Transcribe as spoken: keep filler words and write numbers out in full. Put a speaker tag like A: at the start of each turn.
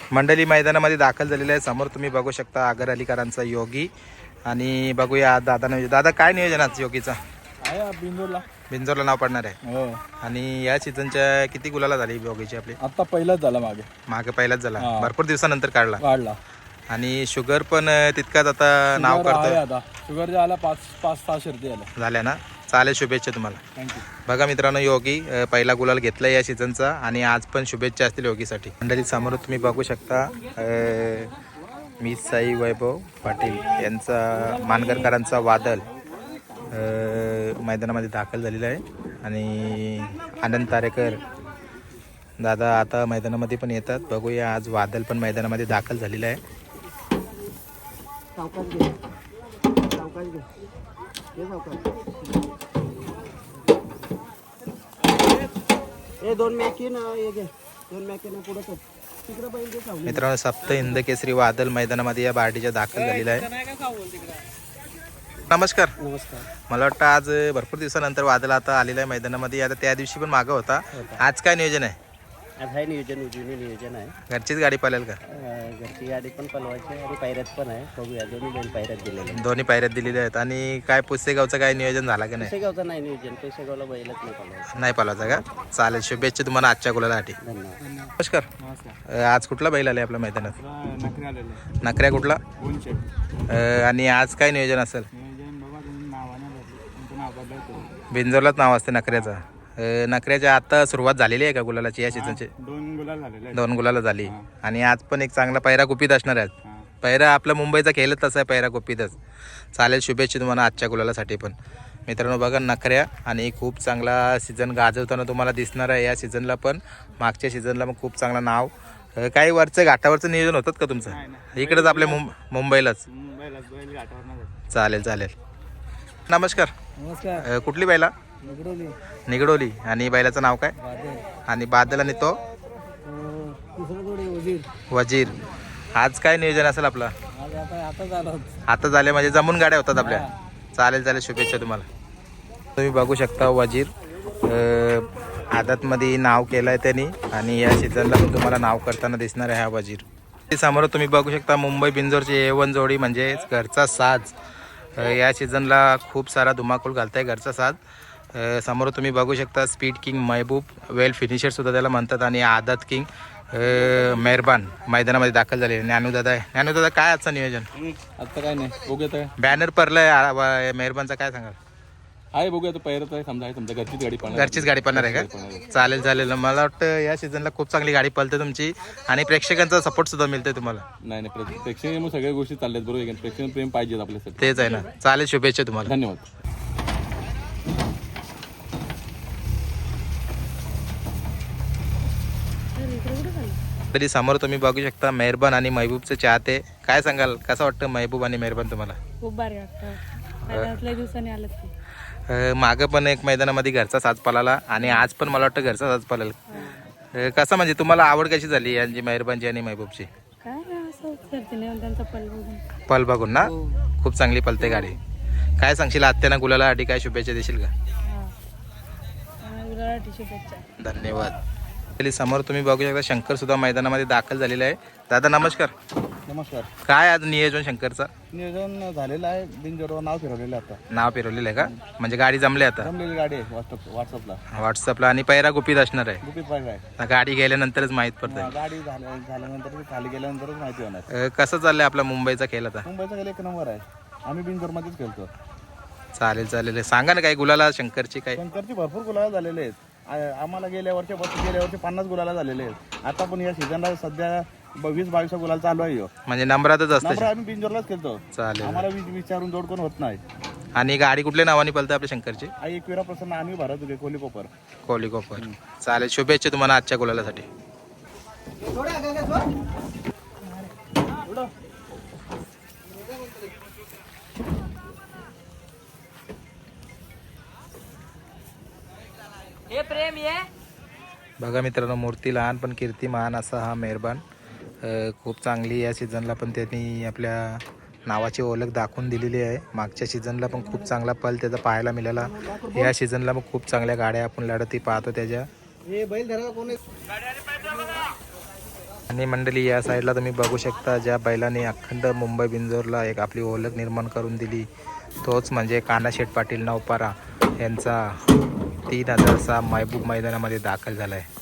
A: मंडळी मैदानामध्ये दाखल झालेले आहे। समोर तुम्ही बघू शकता आगर अलीकरांचा योगी आणि बघूया दादा दादा काय नियोजन आज योगीचा
B: आहे बिंदूरला
A: बिंजोरला नाव पडणार आहे।
B: हो
A: आणि या सीझनच्या किती गुलाला झाली योगीची आपली?
B: आता पहिलाच झाला मागे
A: मागे पहिलाच झाला,
B: हा.
A: भरपूर दिवसानंतर काढला
B: काढला
A: आणि शुगर पण तितकाच आता नाव
B: शुगर आहे
A: करतो
B: आता शुगर झाला पाच पाच सहा शर्ती आल्या
A: झाल्या ना। चालेल, शुभेच्छा तुम्हाला।
B: थँक्यू।
A: बघा मित्रांनो, योगी अ, पहिला गुलाल घेतला या सीझनचा आणि आज पण शुभेच्छा असतील योगीसाठी। मंडळी समोर तुम्ही बघू शकता अ, मी साई वैभव पाटील यांचा मानगरकरांचा वादल अ, मैदानामध्ये दाखल झालेला आहे आणि आनंद तारेकर दादा आता मैदानामध्ये पण येतात। बघूया आज वादल पण मैदानामध्ये दाखल झालेला आहे।
C: ए दोन मॅकी ना हे घे दोन मॅकी ना पुढे तिकडे पाहिजे सावली।
A: मित्रांनो, सप्त हिंद केसरी वादल मैदानामध्ये या बार्टीच्या दाखल झालेला आहे। नमस्कार।
C: नमस्कार।
A: मला वाटतं आज भरपूर दिवसानंतर वादल आता आलेला आहे मैदानामध्ये। आता त्या दिवशी पण मागं होता, आज काय नियोजन आहे?
C: आज आहे नियोजन जुनी नियोजन आहे।
A: घरचीच गाडी पळेल का?
C: अं, घरची गाडी पण पलवायची आहे आणि पायऱ्यात पण आहे। बघूया दोन्ही दोन पायऱ्यात दिलेले आहेत।
A: दोन्ही पायऱ्यात दिलेले आहेत। आणि काय पुसेगावचं काय नियोजन झाला का नाही?
C: पैसेगावचं नाही नियोजन, पैसेगावला बैलच नाही पलवायचं।
A: नाही पालाचा का? चालेल, शुभेच्छा तुम्हाला आजच्या गुलालासाठी।
C: धन्यवाद।
A: नमस्कार।
B: नमस्कार।
A: अ, आज कुठला बैल आले आपल्या मैदानात?
B: नखरे आलेले
A: नकऱ्या कुठला?
B: उंचे
A: अ, आणि आज काय नियोजन असेल?
B: नियोजन बाबा तुम्ही नावाने बदले तुमचं नाव बदलतो
A: बिंजोरलाच नाव असते नकऱ्याचा। अ, नकऱ्याच्या आता सुरुवात झालेली आहे का गुलालाची या सीझनची?
B: दोन गुलाल झालेले आहेत।
A: दोन गुलाला झाली आणि आज पण एक चांगला पैरा गुपित असणार आहे।
B: हा.
A: पैरा आपला मुंबईचा खेळच तसा आहे, पैरा गुपितच। चालेल, शुभेच्छा तुम्हाला आजच्या गुलालासाठी पण। मित्रांनो बघा, नखऱ्या आणि खूप चांगला सीझन गाजवताना तुम्हाला दिसणार आहे। या सीझनला पण मागच्या सीझनला पण खूप चांगला नाव। अ, काही वरचं घाटावरचं नियोजन होतात का तुमचं? इकडेच आपल्या मुंब मुंबईलाच?
B: मुंबईला बैल घाटावर नाही जात।
A: चालेल चालेल। नमस्कार।
C: नमस्कार।
A: अ, कुठली बैला?
C: निगडोली
A: निगडोली। आणि बैलाचं नाव काय?
C: बादल
A: आणि बादल आणि तो
C: तिसरं जोडी वजीर।
A: वजीर। आज काय नियोजन असेल आपलं?
C: आज आता आता झालं
A: आता झाले म्हणजे जमून गाड्या होतात आपल्या। चालेल चालेल, शुभेच्छा तुम्हाला। तुम्ही बघू शकता वजीर अ, आदतमध्ये नाव केलं आहे त्यांनी आणि या सीझनला पण तुम्हाला नाव करताना दिसणार आहे हा वजीर। ते समोर तुम्ही बघू शकता मुंबई बिंजोरची ए वन जोडी म्हणजे घरचा साज। अ, या सीझनला खूप सारा धुमाकूळ घालताय घरचा साज। अ, समोर तुम्ही बघू शकता स्पीड किंग महबूब, वेल फिनिशरसुद्धा त्याला म्हणतात, आणि आदत किंग मेहरबान मैदानामध्ये दाखल झाले। ज्ञानूदादा आहे। ज्ञानूदादा काय आजचं नियोजन?
B: आता काय नाही, बघूया तर
A: बॅनर पडलाय मेहरबानचा, काय सांगाल?
B: आहे, बघूया तर पहिलं तर समजा आहे तुमच्या घरचीच गाडी पळणार.
A: घरचीच गाडी पळणार आहे का? चालेल चालेल। मला वाटतं या सीझनला खूप चांगली गाडी पळते तुमची आणि प्रेक्षकांचा सपोर्ट सुद्धा मिळतोय तुम्हाला।
B: नाही नाही, प्रे- प्रेक्षणीय मग सगळ्या गोष्टी चालल्यात बरोबर. प्रेक्षणीय प्रेम पाहिजे आपल्यासाठी।
A: तेच आहे ना। चालेल, शुभेच्छा तुम्हाला।
B: धन्यवाद।
A: तरी समोर तुम्ही बघू शकता मेहरबान आणि महबूबचे चाहते। काय सांगाल, कसं वाटतं महबूब आणि मेहरबान तुम्हाला?
D: खूप भारी वाटतं। मैदानातल्या दिवसांनी आलं की
A: अ, मागं पण एक मैदानामध्ये घरचा साज पळाला आणि आज पण मला वाटतं घरचा साज पळेल। अ, कसं म्हणजे तुम्हाला आवड कशी झाली यांची, मेहरबानची आणि महबूबची?
D: काय नाही, असं करते नाही त्यांचा पल बघून
A: पल बघून ना? खूप चांगली पलते गाडी। काय सांगशील आत्याना गुलालासाठी, काय शुभेच्छा देशील का?
D: हा गुलालासाठी शुभेच्छा।
A: धन्यवाद। तरी समोर तुम्ही बघू शकता शंकर सुद्धा मैदानामध्ये दाखल झालेला आहे। दादा नमस्कार।
B: नमस्कार।
A: काय आज नियोजन शंकरचा?
B: नियोजन झालेलं आहे, बिनजोडवर नाव फिरवलेलं आहे आता।
A: नाव फिरवलेलं आहे का? म्हणजे गाडी जमली आता
B: जमलेली गाडी आहे व्हॉट्सअप व्हॉट्सअपला
A: व्हॉट्सअपला आणि पैरा गुपित असणार आहे?
B: गुपित पाहिजे आहे।
A: गाडी गेल्यानंतरच माहीत पडतं।
B: गाडी झाल्या झाल्यानंतर खाली गेल्यानंतरच माहिती होणार।
A: अ, कसं चाललंय आपला मुंबईचा खेळ आता?
B: मुंबईचा गेला एक नंबर आहे, आम्ही बिनजोडमध्येच खेळतो।
A: चालेल चालेल। सांगा ना काही गुलाला शंकरची काय?
B: शंकरची भरपूर गुलाला झालेले आहेत। आ- आम्हाला गेल्या वर्षी गेल्या वर्षी पन्नास गुलाला झालेले आहेत। आता पण या सीझनला सध्या ब- वीस बावीस गुलाल चालू आहे ह्यो।
A: म्हणजे नंबरातच असतं?
B: नंबर आम्ही बिनजोडलाच खेळतो।
A: चालेल।
B: आम्हाला वि- विचारून जोड कोण होत नाही।
A: आणि गाडी कुठल्या नावाने पळते आपल्या शंकरची?
B: आई एकविरा प्रसन्न आम्ही भरत होते कोली कोपर।
A: कोहली कोपर। चालेल, शुभेच्छा तुम्हाला आजच्या गुलालासाठी।
D: हे प्रेम ये
A: बघा मित्रांनो, मूर्ती लहान पण कीर्ती महान असा हा मेहरबान। अ, खूप चांगली या सीझनला पण त्यांनी आपल्या नावाची ओळख दाखवून दिलेली आहे। मागच्या सीझनला पण खूप चांगला पल त्याचा पाहायला मिळाला। या सीझनला पण खूप चांगल्या गाड्या आपण लढती पाहतो त्याच्या।
C: हे बैल धरायला कोण आहे?
A: आणि मंडळी या साईडला तुम्ही बघू शकता ज्या बैलाने अखंड मुंबई बिंजोरला एक आपली ओळख निर्माण करून दिली तोच म्हणजे कानाशेठ पाटील नवपारा यांचा तीन हजार सहा महबूब मैदानामध्ये दाखल झाला आहे.